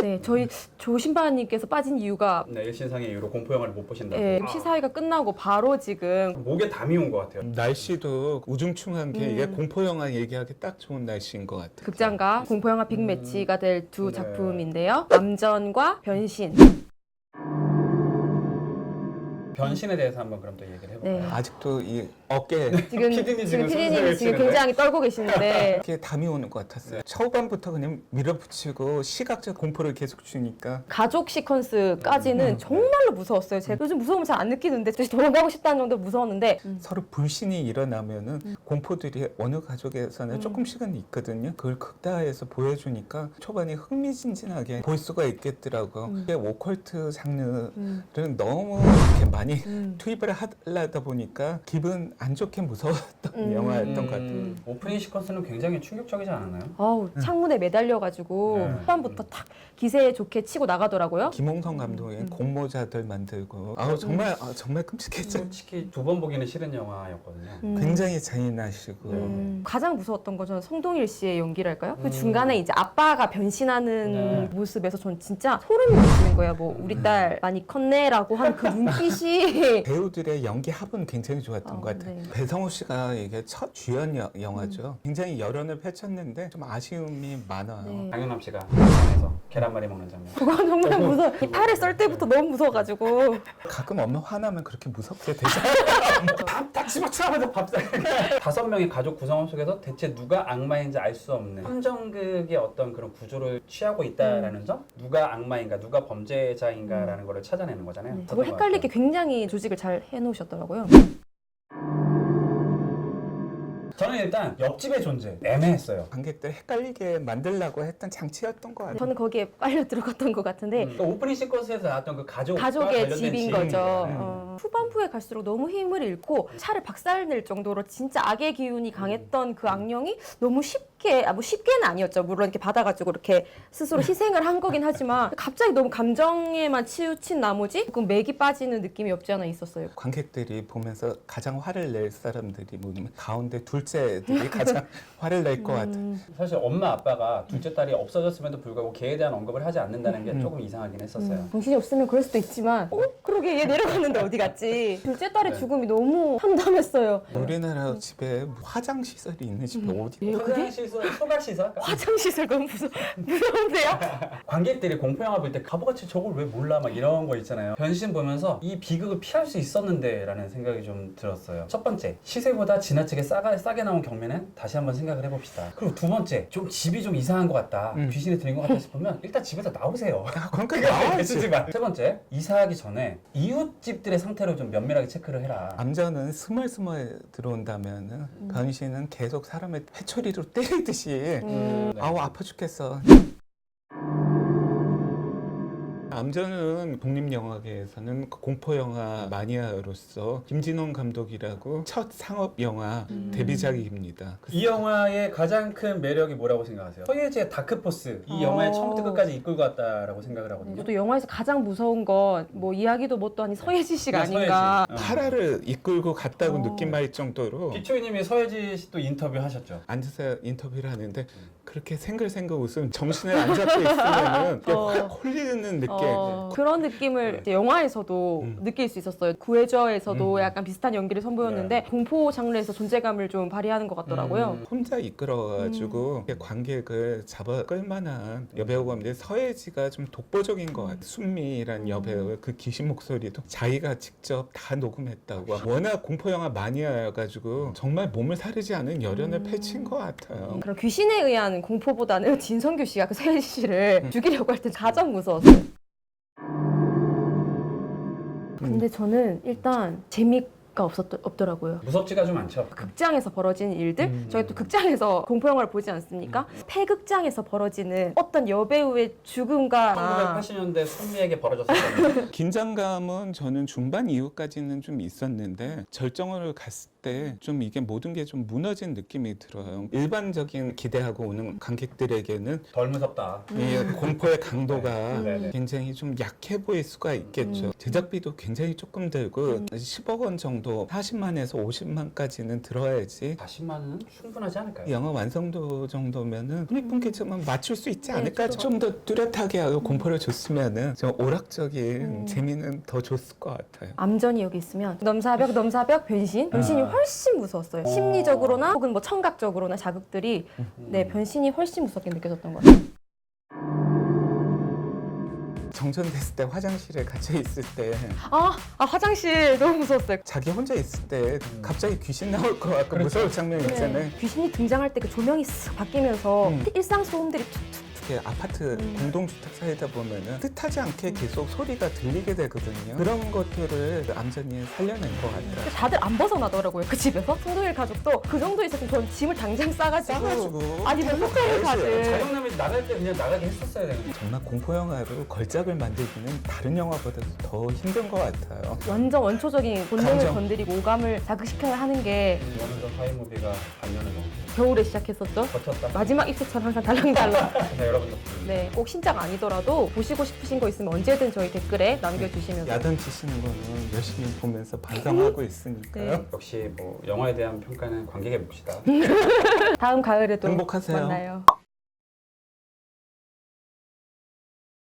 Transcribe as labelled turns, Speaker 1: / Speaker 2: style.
Speaker 1: 네, 저희 조신바님께서 빠진 이유가
Speaker 2: 네, 일신상의 이유로 공포 영화를 못 보신다고.
Speaker 1: 네, 시사회가 끝나고 바로 지금
Speaker 2: 목에 담이 온 것 같아요.
Speaker 3: 날씨도 우중충한 게 이게 공포 영화 얘기하기 딱 좋은 날씨인 것 같아요.
Speaker 1: 극장과 공포영화 빅매치가 될 두
Speaker 2: 네.
Speaker 1: 작품인데요. 남전과 변신.
Speaker 2: 변신에 대해서 한번 그럼 또 얘기를 해볼까요?
Speaker 1: 네.
Speaker 3: 아직도 이 어깨에
Speaker 1: 지금
Speaker 2: 피디님
Speaker 1: 지금
Speaker 2: 지금
Speaker 1: 피디님이 지금
Speaker 2: 치는데?
Speaker 1: 굉장히 떨고 계시는데
Speaker 3: 이렇게 담이 오는 것 같았어요. 초반부터 그냥 밀어붙이고 시각적 공포를 계속 주니까
Speaker 1: 가족 시퀀스까지는 정말로 무서웠어요. 제가 요즘 무서움을 잘 안 느끼는데 다시 도망가고 싶다는 정도로 무서웠는데
Speaker 3: 서로 불신이 일어나면은 공포들이 어느 가족에서는 조금씩은 있거든요. 그걸 극다화해서 보여주니까 초반에 흥미진진하게 볼 수가 있겠더라고요. 이게 오컬트 장르를 너무 이렇게 많이 투입을 하려다 보니까 기분 안 좋게 무서웠던 영화였던 것 같아요.
Speaker 2: 오프닝 시퀀스는 굉장히 충격적이지 않았나요?
Speaker 1: 아우 창문에 매달려가지고
Speaker 2: 네.
Speaker 1: 후반부터 탁 기세 좋게 치고 나가더라고요.
Speaker 3: 김홍성 감독의 공모자들 만들고 아우 정말 끔찍했죠.
Speaker 2: 솔직히 두 번 보기는 싫은 영화였거든요.
Speaker 3: 굉장히 잔인하시고
Speaker 1: 가장 무서웠던 건 저는 송동일 씨의 연기랄까요? 그 중간에 이제 아빠가 변신하는
Speaker 2: 네.
Speaker 1: 모습에서 전 진짜 소름이 돋는 거예요. 뭐 우리 딸 많이 컸네라고 하는 그 눈빛이
Speaker 3: 배우들의 연기 합은 굉장히 좋았던 것 같아요.
Speaker 1: 네.
Speaker 3: 배성우 씨가 이게 첫 주연 영화죠. 굉장히 열연을 펼쳤는데 좀 아쉬움이 많아요.
Speaker 1: 네.
Speaker 2: 장윤남 씨가 극장에서 계란말이 먹는 장면.
Speaker 1: 그건 정말 무서워. 이 팔을 썰 때부터 너무 무서워가지고
Speaker 3: 가끔 엄마 화나면 그렇게 무섭게 되잖아요.
Speaker 2: 다 집어치우면서 밥상. 5명의 가족 구성원 속에서 대체 누가 악마인지 알 수 없는 함정극의 어떤 그런 구조를 취하고 있다라는 점, 누가 악마인가, 누가 범죄자인가라는 거를 찾아내는 거잖아요.
Speaker 1: 그걸 헷갈리게 굉장히 조직을 잘 해놓으셨더라고요.
Speaker 2: 저는 일단 옆집의 존재 애매했어요.
Speaker 3: 관객들 헷갈리게 만들려고 했던 장치였던 것 같아요.
Speaker 1: 저는 거기에 빨려 들어갔던 것 같은데
Speaker 2: 그러니까 오프닝 시퀀스에서 나왔던 그 가족과
Speaker 1: 가족의
Speaker 2: 관련된
Speaker 1: 집인
Speaker 2: 집인
Speaker 1: 거죠.
Speaker 2: 거잖아요.
Speaker 1: 후반부에 갈수록 너무 힘을 잃고 차를 박살낼 정도로 진짜 악의 기운이 강했던 그 악령이 너무 쉽게, 뭐 쉽게는 아니었죠. 물론 이렇게 받아가지고 이렇게 스스로 희생을 한 거긴 하지만 갑자기 너무 감정에만 치우친 나머지 조금 맥이 빠지는 느낌이 없지 않아 있었어요.
Speaker 3: 관객들이 보면서 가장 화를 낼 사람들이 뭐냐면 가운데 둘째들이 가장 화를 낼 것 같아요.
Speaker 2: 사실 엄마 아빠가 둘째 딸이 없어졌음에도 불구하고 걔에 대한 언급을 하지 않는다는 게 조금 이상하긴 했었어요.
Speaker 1: 정신이 없으면 그럴 수도 있지만 그러게 얘 내려갔는데 어디 갔지? 둘째 딸의
Speaker 2: 네.
Speaker 1: 죽음이 너무 참담했어요.
Speaker 3: 우리나라 집에 화장 시설이 있는 집이 어디?
Speaker 1: 예, 그게
Speaker 2: 화장시설, 소각시설?
Speaker 1: 화장시설 너무 무서운데요?
Speaker 2: 관객들이 공포영화 볼 때 바보같이 저걸 왜 몰라 막 이런 거 있잖아요. 변신 보면서 이 비극을 피할 수 있었는데 라는 생각이 좀 들었어요. 첫 번째, 시세보다 지나치게 싸게 나온 경매는 다시 한번 생각을 해봅시다. 그리고 두 번째, 좀 집이 좀 이상한 것 같다, 귀신이 들린 것 같다 싶으면 일단 집에서 나오세요.
Speaker 3: 그러니까 나와야지.
Speaker 2: 세 번째, 이사하기 전에 이웃집들의 상태를 좀 면밀하게 체크를 해라.
Speaker 3: 남자는 스멀스멀 들어온다면은 변신은 계속 사람을 회초리로 때리듯이
Speaker 2: 네.
Speaker 3: 아우 아파 죽겠어. 남자는 독립영화계에서는 공포영화 마니아로서 김진원 감독이라고 첫 상업영화 데뷔작입니다.
Speaker 2: 이 영화의 가장 큰 매력이 뭐라고 생각하세요? 서예지의 다크포스, 이 영화의 처음부터 끝까지 이끌고 왔다라고 생각을 하거든요.
Speaker 1: 저도 영화에서 가장 무서운 건 뭐 이야기도 뭣도 아닌 서예지 씨가
Speaker 2: 서예지.
Speaker 1: 아닌가.
Speaker 3: 파라를 이끌고 갔다고 느낌할 정도로
Speaker 2: 기초이님이 서예지 씨 또 인터뷰 하셨죠?
Speaker 3: 앉아서 인터뷰를 하는데 그렇게 생글생글 웃음 정신을 안 잡고 있으면은 확 홀리는 느낌.
Speaker 1: 그런 느낌을 이제 영화에서도 느낄 수 있었어요. 구해저에서도 약간 비슷한 연기를 선보였는데 공포 장르에서 존재감을 좀 발휘하는 것 같더라고요.
Speaker 3: 혼자 이끌어가지고 관객을 잡아 끌만한 여배우가 없는데 서예지가 좀 독보적인 것 같아요. 순미란 여배우의 그 귀신 목소리도 자기가 직접 다 녹음했다고. 워낙 공포영화 마니아여가지고 정말 몸을 사르지 않은 열연을 펼친 것 같아요.
Speaker 1: 그런 귀신에 의한 공포보다는 진성규 씨가 그 서예지 씨를 죽이려고 할 때 가장 무서웠어요. 근데 저는 일단 재미가 없더라고요.
Speaker 2: 무섭지가 좀 않죠?
Speaker 1: 극장에서 벌어지는 일들, 저희 또 극장에서 공포영화를 보지 않습니까? 폐극장에서 벌어지는 어떤 여배우의 죽음과
Speaker 2: 1980년대 순미에게 벌어졌었거든요.
Speaker 3: 긴장감은 저는 중반 이후까지는 좀 있었는데 절정을 갔을 때 좀 이게 모든 게 좀 무너진 느낌이 들어요. 일반적인 기대하고 오는 관객들에게는
Speaker 2: 덜 무섭다.
Speaker 3: 이 공포의 강도가
Speaker 2: 네, 네.
Speaker 3: 굉장히 좀 약해 보일 수가 있겠죠. 제작비도 굉장히 조금 들고 10억 원 정도 정도 40만에서 50만까지는 들어야지
Speaker 2: 40만은 충분하지 않을까요?
Speaker 3: 영화 완성도 정도면은 손익분기점은 맞출 수 있지 않을까?
Speaker 1: 저도.
Speaker 3: 좀 더 뚜렷하게 하고 공포를 줬으면은 좀 오락적인 재미는 더 줬을 것 같아요.
Speaker 1: 암전이 여기 있으면 넘사벽, 변신이 훨씬 무서웠어요. 심리적으로나 혹은 뭐 청각적으로나 자극들이 네, 변신이 훨씬 무섭게 느껴졌던 것 같아요.
Speaker 3: 정전됐을 때 화장실에 갇혀 있을 때
Speaker 1: 화장실 너무 무서웠어요.
Speaker 3: 자기 혼자 있을 때 갑자기 귀신 나올 것 같고 무서울 장면 있잖아요.
Speaker 1: 귀신이 등장할 때 그 조명이 쓱 바뀌면서 일상 소음들이 툭툭
Speaker 3: 이렇게 아파트 공동주택 사이다 보면은 뜻하지 않게 계속 소리가 들리게 되거든요. 그런 것들을 암전이 살려낸 것 같아요.
Speaker 1: 다들 안 벗어나더라고요. 그 집에서. 송도일 가족도 그 정도 있었으면 전 짐을 당장 싸가지고 아니 뭐 호텔을 가지.
Speaker 2: 자영남이 나갈 때 그냥 나가게 했었어야 되는 거죠.
Speaker 3: 정말 공포 영화로 걸작을 만들기는 다른 영화보다도 더 힘든 것 같아요.
Speaker 1: 완전 원초적인 본능을
Speaker 3: 감정.
Speaker 1: 건드리고 오감을 자극시켜야 하는 게
Speaker 2: 오늘도 하이무비가 반년을 넘게
Speaker 1: 겨울에 시작했었죠.
Speaker 2: 버텼다.
Speaker 1: 마지막 입술처럼 항상 달랑달랑.
Speaker 2: 네, 여러분 덕분에.
Speaker 1: 네, 꼭 신작 아니더라도 보시고 싶으신 거 있으면 언제든 저희 댓글에 남겨주시면
Speaker 3: 야단치시는 거는 열심히 보면서 반성하고 있으니까요.
Speaker 1: 네.
Speaker 2: 역시 뭐 영화에 대한 평가는 관객에 봅시다.
Speaker 1: 다음 가을에도
Speaker 3: 행복하세요.
Speaker 1: 만나요.